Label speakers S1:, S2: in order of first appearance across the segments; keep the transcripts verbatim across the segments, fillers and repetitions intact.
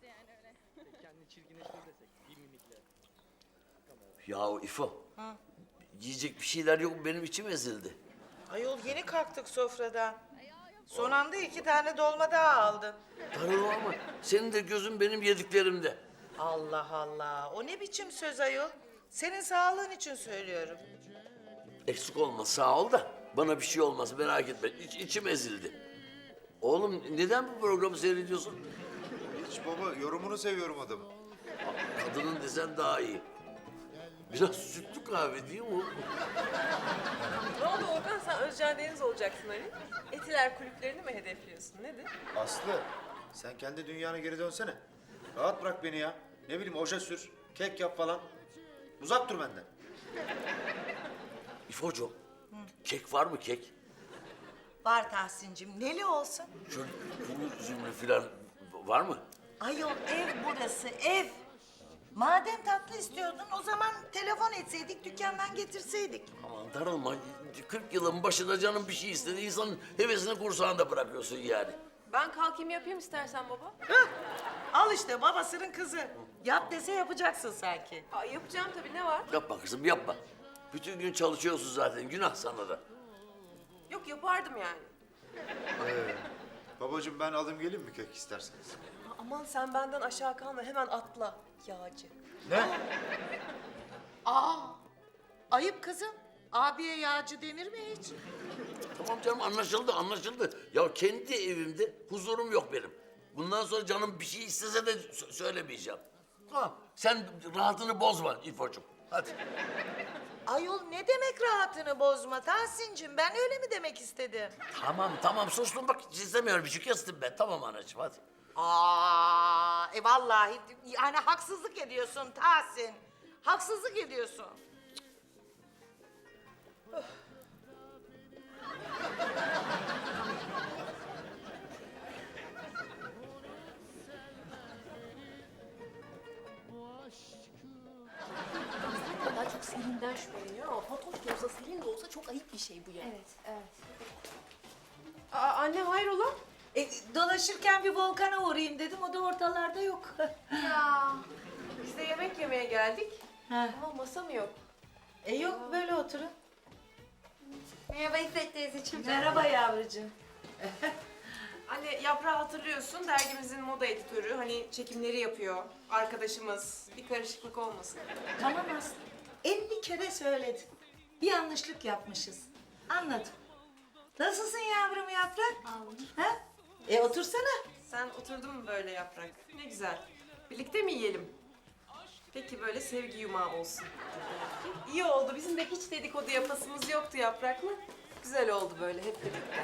S1: Kendini çirkinleştir desek bir mimikle.
S2: Ya İfo. Yiyecek bir şeyler yok mu? Benim içim ezildi.
S3: Ayol yeni kalktık sofradan. Son anda iki tane dolma daha aldın.
S2: Darılma ama senin de gözün benim yediklerimde.
S3: Allah Allah. O ne biçim söz ayol? Senin sağlığın için söylüyorum.
S2: Eksik olma sağ ol da bana bir şey olmaz merak etme. İç, içim ezildi. Oğlum neden bu programı seyrediyorsun?
S4: Hiç baba, yorumunu seviyorum adamı.
S2: Kadının desen daha iyi. Biraz sütlü kahve değil mi?
S5: Ne oldu Orkan, sen Özcan Deniz olacaksın hani? Etiler kulüplerini mi hedefliyorsun, nedir?
S4: Aslı, sen kendi dünyana geri dönsene. Rahat bırak beni ya. Ne bileyim oje sür, kek yap falan. Uzak dur benden.
S2: İfocuğum, kek var mı kek?
S3: Var Tahsin'cim. Neli olsun?
S2: Şöyle kuru üzümlü falan var mı?
S3: Ayol ev burası ev. Madem tatlı istiyordun o zaman telefon etseydik dükkandan getirseydik.
S2: Aman darılma. kırk yılın başında canım bir şey istedi. İnsanın hevesini kursağında bırakıyorsun yani.
S5: Ben kalkayım yapayım istersen baba.
S3: Hah! Al işte babasının kızı. Yap dese yapacaksın sanki.
S5: Aa, yapacağım tabii, ne var?
S2: Yapma kızım yapma. Bütün gün çalışıyorsun zaten. Günah sana da.
S5: Yok, yapardım yani.
S4: Ee, babacığım ben alayım geleyim mi kek isterseniz?
S5: Aa, aman sen benden aşağı kalma, hemen atla yağcı.
S4: Ne?
S3: Aa! Ayıp kızım. Abiye yağcı denir mi hiç?
S2: Tamam canım anlaşıldı anlaşıldı. Ya kendi evimde huzurum yok benim. Bundan sonra canım bir şey istese de sö- söylemeyeceğim. Tamam sen rahatını bozma İfo'cum. Hadi.
S3: Ayol ne demek rahatını bozma Tahsin'cim? Ben öyle mi demek istedim?
S2: Tamam tamam sustum bak hiç istemiyorum. Bir şey kestim ben. Tamam anacığım hadi.
S3: Aa, e vallahi yani haksızlık ediyorsun Tahsin. Haksızlık ediyorsun.
S6: Daha çok Selin'den şüpheleniyor ama Fatoş da olsa Selin de olsa çok ayıp bir şey bu yani.
S7: Evet, evet.
S5: Aa, anne hayrola?
S3: E, dolaşırken bir Volkan'a uğrayayım dedim. O da ortalarda yok.
S5: Ya biz de yemek yemeye geldik.
S3: Ha.
S5: Ama masa mı yok?
S3: E yok böyle oturun.
S7: Merhaba İffet teyzeciğim.
S3: Merhaba yavrucuğum.
S5: Anne, Yaprağı hatırlıyorsun, dergimizin moda editörü. Hani çekimleri yapıyor. Arkadaşımız. Bir karışıklık olmasın.
S3: Tamam Aslı. elli kere söyledim. Bir yanlışlık yapmışız. Anladım. Nasılsın yavrum Yaprak? Ha? E otursana.
S5: Sen oturdun mu böyle Yaprak? Ne güzel. Birlikte mi yiyelim? Peki böyle sevgi yumağı olsun. İyi oldu. Bizim de hiç dedikodu yapasımız yoktu Yaprak'la. Güzel oldu böyle hep birlikte.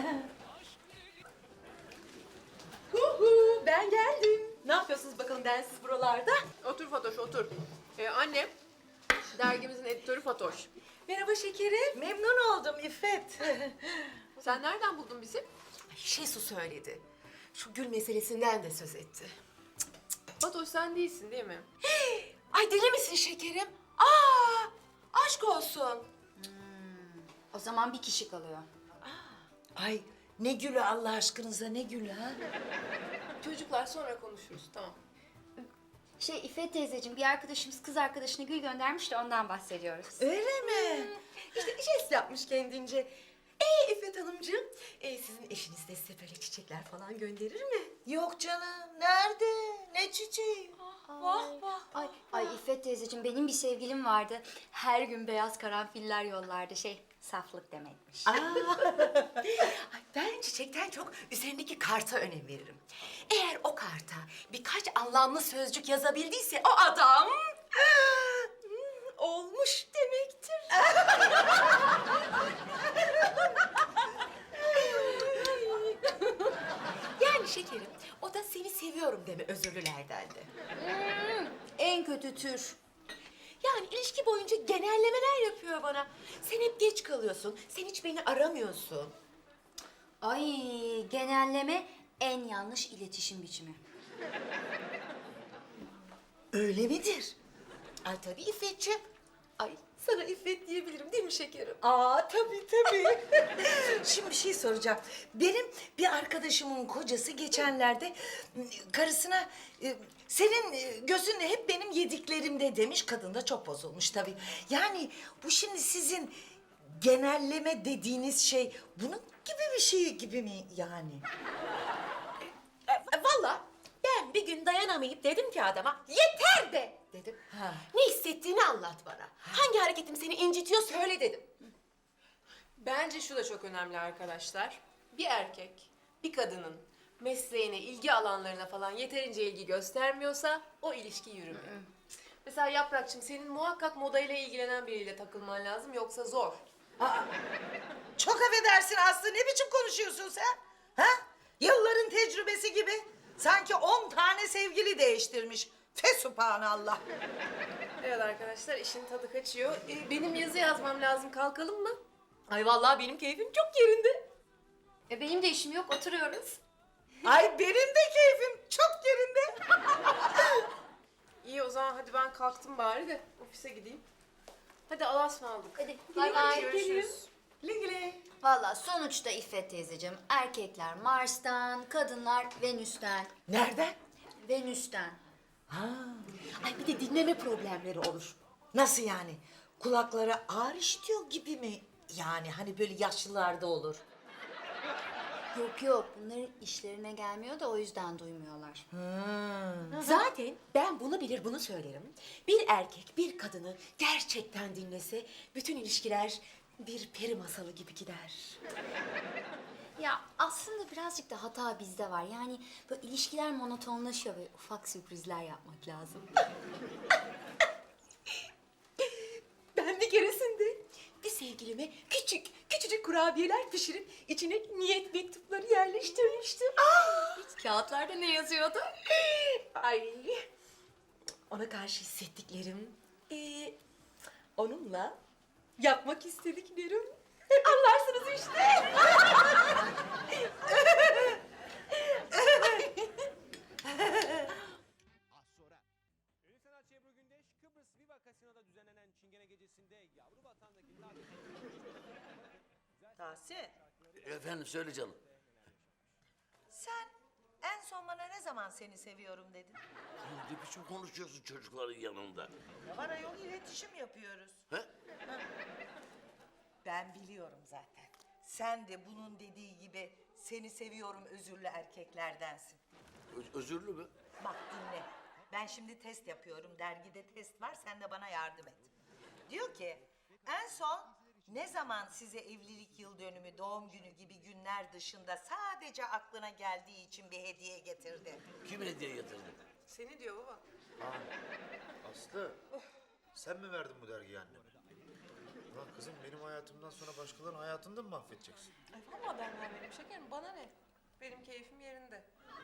S5: Huhu, ben geldim. Ne yapıyorsunuz bakalım densiz buralarda? Otur Fatoş, otur. Ee, annem, dergimizin editörü Fatoş. Merhaba şekerim.
S3: Memnun oldum İffet.
S5: Sen nereden buldun bizi?
S6: Şesu söyledi. Şu gül meselesinden de söz etti.
S5: Fatoş sen değilsin değil mi?
S6: Ay deli misin şekerim? Aa, aşk olsun.
S7: O zaman bir kişi kalıyor.
S3: Ay ne gülü Allah aşkınıza ne gülü ha?
S5: Çocuklar sonra konuşuruz, tamam.
S7: Şey İffet teyzeciğim, bir arkadaşımız kız arkadaşına gül göndermiş de ondan bahsediyoruz.
S3: Öyle mi?
S6: İşte jest yapmış kendince. Ee İffet Hanımcığım, ee, sizin eşiniz de size böyle çiçekler falan gönderir mi?
S3: Yok canım. Nerede? Ne çiçeği?
S6: Vah vah.
S7: Ay, ay İffet teyzeciğim, benim bir sevgilim vardı. Her gün beyaz karanfiller yollardı. Şey, saflık demekmiş.
S6: Ay, ben çiçekten çok üzerindeki karta önem veririm. Eğer o karta birkaç anlamlı sözcük yazabildiyse o adam hmm, olmuş demektir. Yani şekerim, o da seni seviyorum deme özürlülerdendi.
S7: Hmm, en kötü tür.
S6: Yani ilişki boyunca genellemeler yapıyor bana. Sen hep geç kalıyorsun, sen hiç beni aramıyorsun.
S7: Ay, genelleme en yanlış iletişim biçimi.
S3: Öyle midir?
S6: Ay tabii İffetciğim. Ay
S5: Sana İffet diyebilirim değil mi şekerim?
S3: Aa tabii tabii. Şimdi bir şey soracağım. Benim bir arkadaşımın kocası geçenlerde karısına e, senin e, gözün hep benim yediklerimde demiş. Kadın da çok bozulmuş tabii. Yani bu şimdi sizin genelleme dediğiniz şey bunun gibi bir şey gibi mi yani?
S6: E, e, Vallahi ben bir gün dayanamayıp dedim ki adama yeter de dedim.
S3: Ha.
S6: Ne hissettiğini anlat bana. Hangi hareketim seni incitiyor söyle dedim.
S5: Bence şu da çok önemli arkadaşlar. Bir erkek, bir kadının mesleğine, ilgi alanlarına falan yeterince ilgi göstermiyorsa o ilişki yürümüyor. Mesela Yaprakçığım, senin muhakkak modayla ilgilenen biriyle takılman lazım, yoksa zor.
S3: Çok affedersin Aslı, ne biçim konuşuyorsun sen? Ha? Yılların tecrübesi gibi. Sanki on tane sevgili değiştirmiş. Fesubhanallah.
S5: Evet arkadaşlar, işin tadı kaçıyor. Ee, benim yazı yazmam lazım, kalkalım mı?
S6: Ay vallahi benim keyfim çok yerinde.
S7: E benim de işim yok, oturuyoruz.
S3: Ay benim de keyfim çok yerinde.
S5: İyi, o zaman hadi ben kalktım bari de ofise gideyim. Hadi Allah'a ısmarladık.
S7: Hadi bay bay.
S5: Görüşürüz.
S3: Güle güle.
S7: Valla sonuçta İffet teyzeciğim, erkekler Mars'tan, kadınlar Venüs'ten.
S3: Nereden?
S7: Venüs'ten.
S3: Ay bir de dinleme problemleri olur. Nasıl yani? Kulaklara ağır işitiyor gibi mi? Yani hani böyle yaşlılarda olur.
S7: Yok yok, bunların işlerine gelmiyor da o yüzden duymuyorlar.
S6: Zaten ben bunu bilir bunu söylerim. Bir erkek bir kadını gerçekten dinlese bütün ilişkiler bir peri masalı gibi gider.
S7: Ya aslında birazcık da hata bizde var. Yani böyle ilişkiler monotonlaşıyor ve ufak sürprizler yapmak lazım.
S6: Ben bir keresinde bir sevgilime küçük küçücük kurabiyeler pişirip içine niyet mektupları yerleştirmiştim.
S7: Kağıtlarda ne yazıyordu?
S6: Ay, ona karşı hissettiklerim, ee, onunla yapmak istediklerim. Anlarsınız işte.
S8: Az sonra. Ünlü sanatçı Ebru Gündeş, Kıbrıs Viva Kasino'da düzenlenen Çingene Gecesi'nde yavru vatandaki
S3: Tahsin,
S2: Efendim söyle canım.
S3: sen en son bana ne zaman seni seviyorum dedin?
S2: Ne biçim konuşuyorsun çocukların yanında?
S3: Var ayol, iletişim yapıyoruz.
S2: He?
S3: Ben biliyorum zaten. Sen de bunun dediği gibi seni seviyorum özürlü erkeklerdensin.
S2: Ö- özürlü mü?
S3: Bak dinle. Ben şimdi test yapıyorum. Dergide test var. Sen de bana yardım et. Diyor ki en son ne zaman size evlilik yıl dönümü, doğum günü gibi günler dışında sadece aklına geldiği için bir hediye getirdi?
S2: Kim hediye getirdi?
S5: Seni diyor baba.
S4: Aslı, sen mi verdin bu dergiyi anneme? Lan kızım benim hayatımdan sonra başkalarının hayatını da mı mahvedeceksin?
S5: Ay vallahi ben vermedim şekerim, bana ne? Benim keyfim yerinde.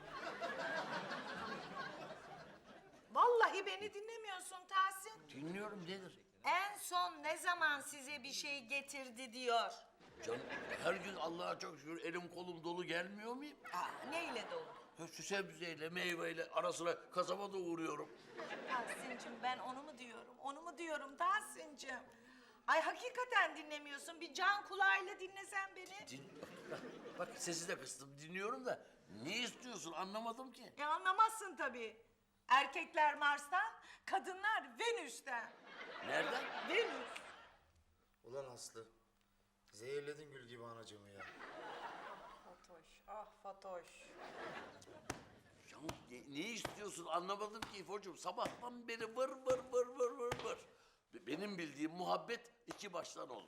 S3: Vallahi beni dinlemiyorsun Tahsin.
S2: Dinliyorum nedir?
S3: En son ne zaman size bir şey getirdi diyor.
S2: Canım her gün Allah'a çok şükür elim kolum dolu gelmiyor muyum?
S3: Aa, neyle dolu?
S2: Ha, şu sebzeyle, meyveyle ara sıra kasaba da uğruyorum.
S3: Tahsin'cim ben onu mu diyorum, onu mu diyorum Tahsin'cim? Ay hakikaten dinlemiyorsun. Bir can kulağıyla dinlesen beni.
S2: Din... Bak, bak sesi de kıstım dinliyorum da ne istiyorsun anlamadım ki.
S3: E anlamazsın tabii. Erkekler Mars'tan, kadınlar Venüs'ten.
S2: Nereden?
S3: Venüs.
S4: Ulan Aslı, zehirledin gül gibi anacığımı ya.
S5: Fatoş, ah Fatoş.
S2: Ya ne, ne istiyorsun anlamadım ki İfo'cum. Sabahtan beri vır vır vır vır vır vır. Benim bildiğim muhabbet iki baştan olur.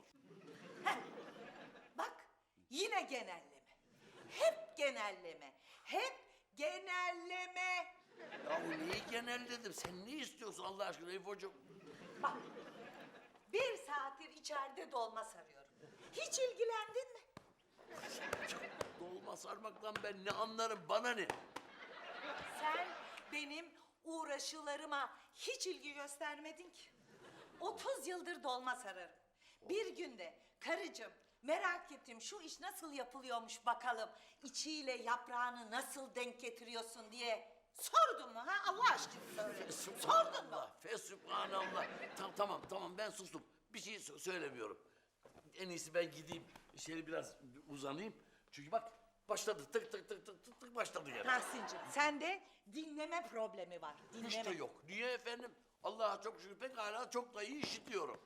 S3: Bak yine genelleme. Hep genelleme. Hep genelleme.
S2: Ya neyi genelledim? Sen ne istiyorsun Allah aşkına İfo'cum?
S3: Bak bir saattir içeride dolma sarıyorum. Hiç ilgilendin mi?
S2: Dolma sarmaktan ben ne anlarım bana ne?
S3: Sen benim uğraşılarıma hiç ilgi göstermedin ki. Otuz yıldır dolma sararım. Bir günde karıcığım merak ettim şu iş nasıl yapılıyormuş bakalım. İçiyle yaprağını nasıl denk getiriyorsun diye sordun mu ha Allah aşkına söyle. Sordun mu?
S2: Fesubhanallah. Tamam tamam tamam ben sustum. bir şey sö- söylemiyorum. En iyisi ben gideyim, şöyle biraz uzanayım. Çünkü bak başladı, tık tık tık tık tık tık başladı gene.
S3: Tahsin'cim sende dinleme problemi var. Dinleme.
S2: Hiç de yok. Niye efendim? Allah'a çok şükür pek hala çok da iyi işitiyorum.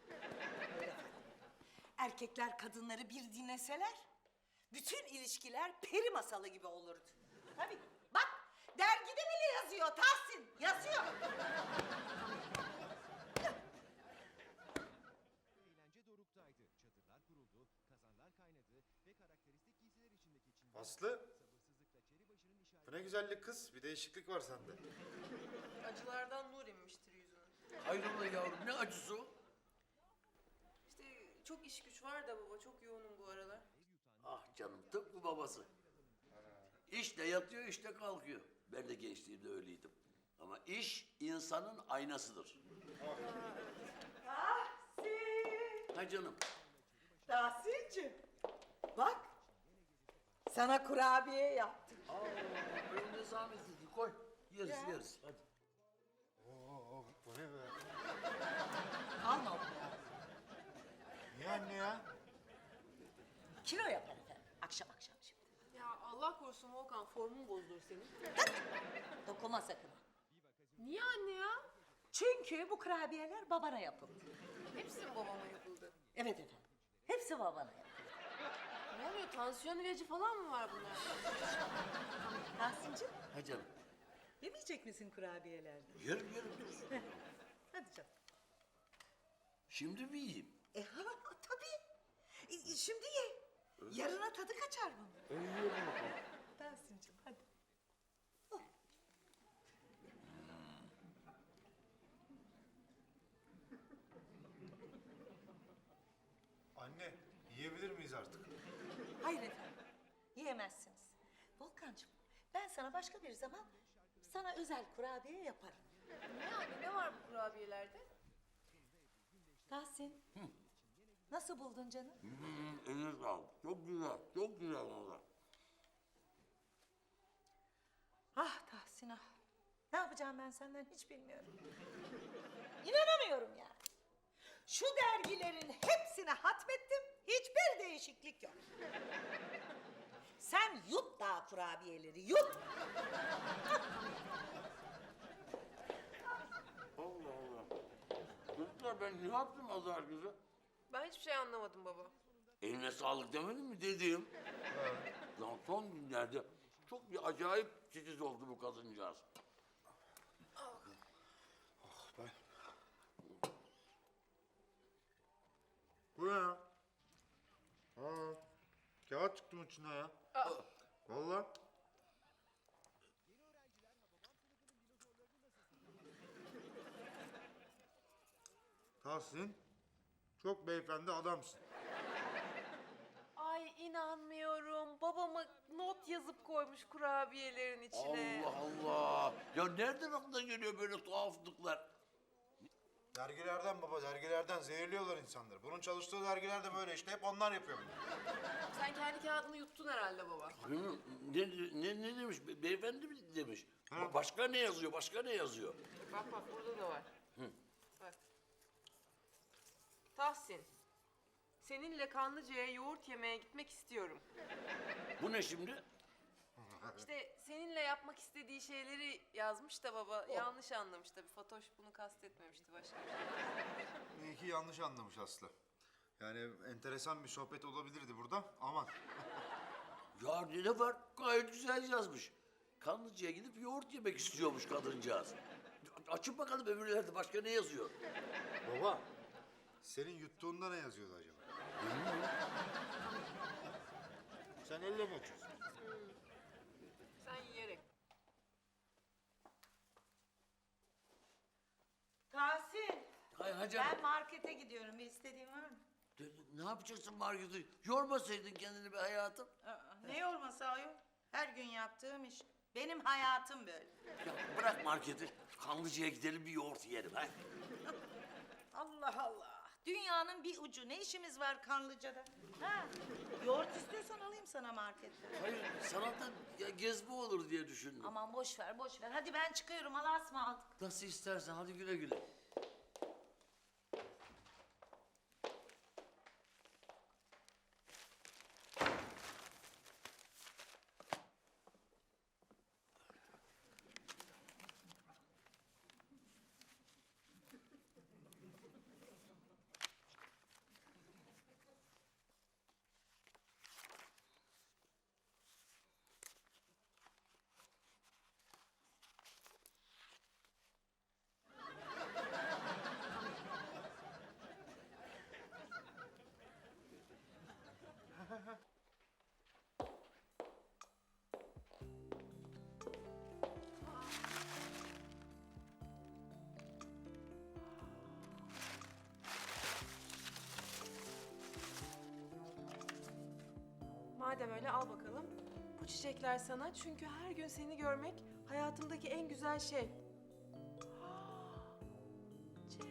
S3: Erkekler kadınları bir dinleseler bütün ilişkiler peri masalı gibi olurdu. Tabii. Bak dergide bile yazıyor Tahsin. Yazıyor.
S8: Eğlence doruktaydı. Çadırlar kuruldu, kazanlar kaynadı ve karakteristik giysiler içindeki Çingene
S4: Aslı,
S8: sabırsızlıkla Çeribaşı'nın
S4: bu
S8: işareti...
S4: ne güzellik kız. Bir değişiklik var sende.
S5: Acılardan nur inmiştir yüzüne.
S2: Hayrola yavrum ne acısı o?
S5: İşte çok iş güç var da baba, çok yoğunum bu aralar.
S2: Ah canım tıpkı babası. İşte yatıyor işte kalkıyor. Ben de gençliğimde öyleydim. Ama iş insanın aynasıdır.
S3: Tahsin.
S2: Ha canım.
S3: Tahsin'cim. Bak. Sana kurabiye yaptım.
S2: Aa, önüne zahmetli koy. Yeriz yeriz hadi.
S4: Oo, bu ne be?
S3: Alma onu.
S4: Niye anne ya?
S3: Kilo yapar efendim. Akşam akşam şimdi.
S5: Ya Allah korusun Volkan, formun bozulur senin.
S3: Dokunma sakın.
S5: Niye anne ya?
S3: Çünkü bu kurabiyeler babana yapıldı.
S5: Hepsi mi babama yapıldı?
S3: Evet efendim. Hepsi babana yapıldı.
S5: Ne oluyor, tansiyon ilacı falan mı var bunlar?
S3: Tahsin'cim
S2: Ha canım.
S3: yemeyecek misin kurabiyelerden?
S2: Yerim yerim dur.
S3: Hadi canım.
S2: Şimdi mi yiyeyim?
S3: E ha tabii. E, şimdi ye. Yarına tadı kaçar bunun.
S2: Ben yiyorum bakalım.
S3: Tahsin'cim hadi.
S4: Anne, yiyebilir miyiz artık?
S3: Hayır efendim. Yiyemezsiniz. Volkancığım ben sana başka bir zaman sana özel kurabiye yaparım.
S5: Ne anne, ne var bu kurabiyelerde?
S3: Tahsin. Nasıl buldun canım?
S2: Hmm, eline sağlık. Çok güzel, çok güzel valla.
S3: Ah Tahsin ah. Ne yapacağım ben senden hiç bilmiyorum. İnanamıyorum yani. Şu dergilerin hepsini hatmettim. Hiçbir değişiklik yok. Sen yut daha kurabiyeleri yut.
S2: Allah Allah. Çocuklar ben ne yaptım azar kızı?
S5: Ben hiçbir şey anlamadım baba.
S2: Eline sağlık demedim mi dediğim? Lan son günlerde çok bir acayip titiz oldu bu kadıncağız.
S4: Ben... Bu ne ya? Aa, kağıt çıktı mı içinden ya? Vallahi. Tahsin, çok beyefendi adamsın.
S5: Ay inanmıyorum. Babama not yazıp koymuş kurabiyelerin içine.
S2: Allah Allah. Ya nereden aklına geliyor böyle tuhaflıklar?
S4: Dergilerden baba, dergilerden zehirliyorlar insanları. Bunun çalıştığı dergiler de böyle işte, hep onlar yapıyor bunu.
S5: Sen kendi kağıdını yuttun herhalde baba.
S2: Hı, Ne, ne, ne demiş? Be- Beyefendi mi demiş? Ba- Başka ne yazıyor? Başka ne yazıyor?
S5: Bak bak, burada da var. Bak. Tahsin, seninle Kanlıca'ya yoğurt yemeye gitmek istiyorum.
S2: Bu ne şimdi?
S5: İşte seninle yapmak istediği şeyleri yazmış da baba yanlış anlamış tabii. Fatoş bunu kastetmemişti, başka bir şey.
S4: İyi ki yanlış anlamış Aslı. Yani enteresan bir sohbet olabilirdi burada. Aman.
S2: Ya ne var? Gayet güzel yazmış. Kanlıca'ya gidip yoğurt yemek istiyormuş kadıncağız. Açın bakalım öbürlerde başka ne yazıyor?
S4: Baba, senin yuttuğunda ne yazıyordu acaba? Sen elle mi açıyorsun?
S5: Sen yiyerek.
S3: Tahsin.
S2: Hay hacım.
S3: Ben markete gidiyorum. Bir istediğin var mı?
S2: Ne yapacaksın marketi? Yormasaydın kendini be hayatım.
S3: Aa, ne yorması ayol? Her gün yaptığım iş. Benim hayatım böyle.
S2: Ya bırak marketi. Kanlıca'ya gidelim bir yoğurt yiyelim ha.
S3: Allah Allah. Dünyanın bir ucu. Ne işimiz var Kanlıca'da? Ha? Yoğurt istiyorsan alayım sana marketten.
S2: Hayır sana da ya gezme olur diye düşündüm.
S3: Aman boş ver, boş ver. Hadi ben çıkıyorum. Allah'a ısmarladık.
S2: Nasıl istersen hadi güle güle.
S5: madem öyle al bakalım. Bu çiçekler sana çünkü her gün seni görmek hayatımdaki en güzel şey. Cem.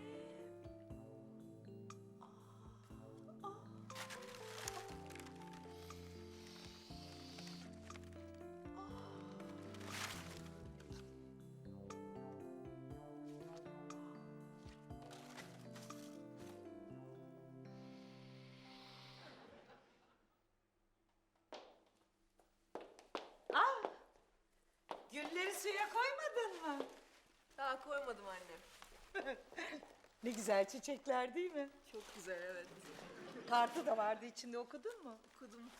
S3: Gülleri suya koymadın mı?
S5: Daha koymadım anne.
S3: Ne güzel çiçekler değil mi?
S5: Çok güzel evet.
S3: Kartı da vardı içinde, okudun mu?
S5: Okudum.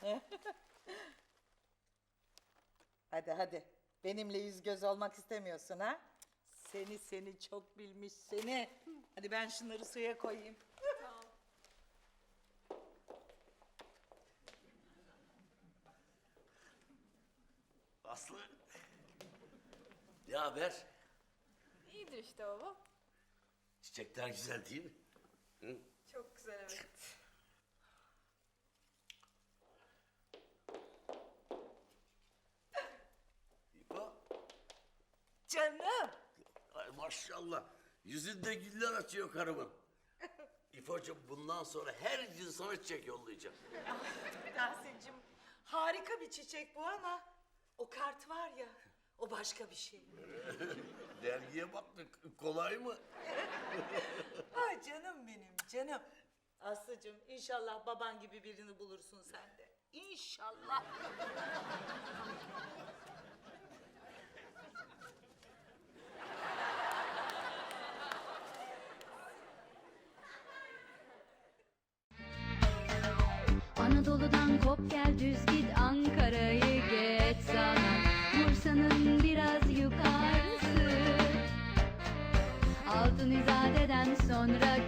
S3: Hadi hadi. Benimle yüz göz olmak istemiyorsun ha? Seni seni çok bilmiş seni. Hadi ben şunları suya koyayım.
S2: Aslı. Ne haber?
S5: İyidir işte baba.
S2: Çiçekler güzel değil mi? Hı?
S5: Çok güzel evet.
S2: İpo.
S3: Canım.
S2: Ay maşallah. Yüzünde güller açıyor karımın. İfo'cum bundan sonra her gün sana çiçek yollayacağım.
S3: Tahsin'cim harika bir çiçek bu ama o kart var ya, o başka bir şey.
S2: Dergiye baktık. Kolay mı?
S3: Ay canım benim canım. Aslıcığım inşallah baban gibi birini bulursun sen de. İnşallah.
S9: Anadolu'dan kop gel düz git Ankara'yı geç sana Bursa'nın biraz yukarısı Altın İzade'den sonra